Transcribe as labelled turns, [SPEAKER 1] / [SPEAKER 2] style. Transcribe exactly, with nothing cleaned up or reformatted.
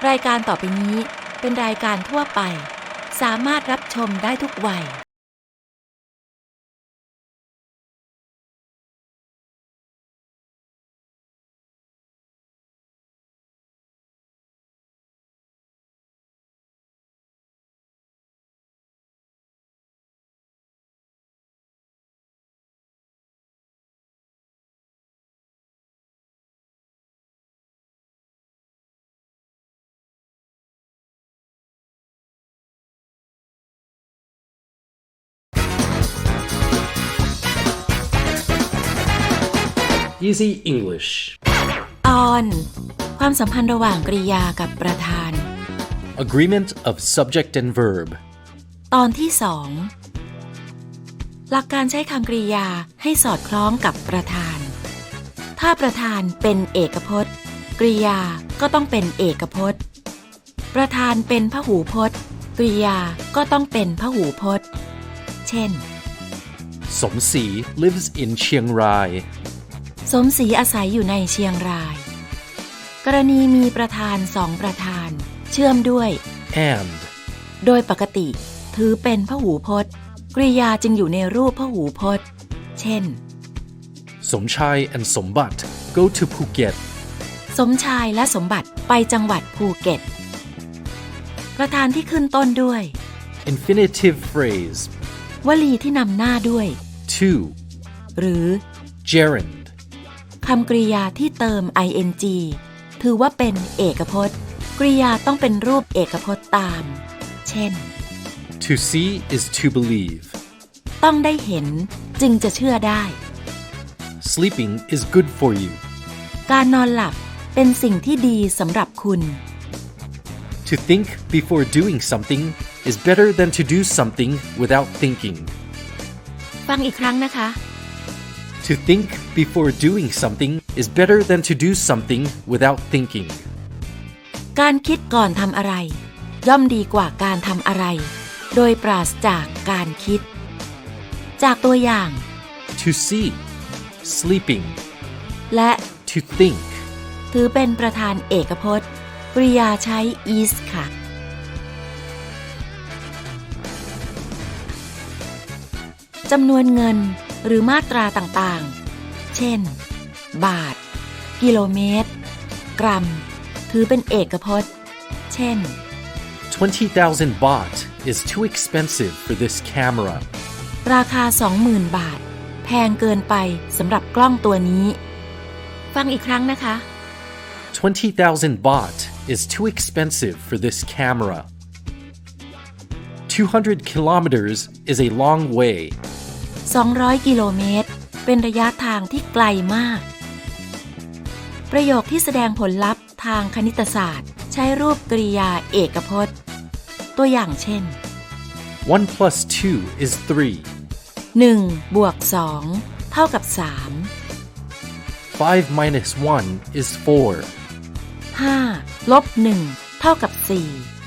[SPEAKER 1] รายการต่อไปนี้เป็นรายการทั่วไปสามารถรับชมได้ทุกวัย
[SPEAKER 2] Easy English
[SPEAKER 1] ตอนความสัมพันธ์ระหว่างกริยากับประธาน
[SPEAKER 2] Agreement of subject and verb
[SPEAKER 1] ตอนที่สองหลักการใช้คำกริยาให้สอดคล้องกับประธานถ้าประธานเป็นเอกพจน์กริยาก็ต้องเป็นเอกพจน์ประธานเป็นพหูพจน์กริยาก็ต้องเป็นพหูพจน์เช่น
[SPEAKER 2] สมศรี lives in เชียงราย
[SPEAKER 1] สมศรีอาศัยอยู่ในเชียงรายกรณีมีประธานสองประธานเชื่อมด้วย
[SPEAKER 2] and
[SPEAKER 1] โดยปกติถือเป็นพหูพจน์กริยาจึงอยู่ในรูปพหูพจน์เช่น
[SPEAKER 2] สมชาย and สมบัติ go to Phuket
[SPEAKER 1] สมชายและสมบัติไปจังหวัดภูเก็ตประธานที่ขึ้นต้นด้วย
[SPEAKER 2] infinitive phrase
[SPEAKER 1] วลีที่นำหน้าด้วย
[SPEAKER 2] to
[SPEAKER 1] หรือ
[SPEAKER 2] gerund
[SPEAKER 1] คำกริยาที่เติม ing ถือว่าเป็นเอกพจน์กริยาต้องเป็นรูปเอกพจน์ตามเช่น
[SPEAKER 2] to see is to believe
[SPEAKER 1] ต้องได้เห็นจึงจะเชื่อได้
[SPEAKER 2] sleeping is good for you
[SPEAKER 1] การนอนหลับเป็นสิ่งที่ดีสำหรับคุณ
[SPEAKER 2] to think before doing something is better than to do something without thinking
[SPEAKER 1] ฟังอีกครั้งนะคะ
[SPEAKER 2] To think before doing something is better than to do something without thinking
[SPEAKER 1] การคิดก่อนทำอะไรย่อมดีกว่าการทำอะไรโดยปราศจากการคิดจากตัวอย่าง
[SPEAKER 2] To see sleeping
[SPEAKER 1] และ
[SPEAKER 2] to think
[SPEAKER 1] ถือเป็นประธานเอกพจน์กริยาใช้ is ค่ะจำนวนเงินหรือมาตราต่างๆเช่นบาทกิโลเมตรกรัมถือเป็นเอกพจน์เช่น
[SPEAKER 2] twenty thousand baht is too expensive for this camera
[SPEAKER 1] ราคา สองหมื่น บาทแพงเกินไปสำหรับกล้องตัวนี้ฟังอีกครั้งนะคะ
[SPEAKER 2] twenty thousand baht is too expensive for this camera two hundred kilometers is a long way
[SPEAKER 1] สองร้อยกิโลเมตรเป็นระยะทางที่ไกลมากประโยคที่แสดงผลลัพธ์ทางคณิตศาสตร์ใช้รูปกริยาเอกพจน์ตัวอย่างเช่น
[SPEAKER 2] one plus two is three
[SPEAKER 1] หนึ่งบวกสองเท่ากับสาม
[SPEAKER 2] five minus one is four
[SPEAKER 1] ห้าลบหนึ่งเท่ากับสี่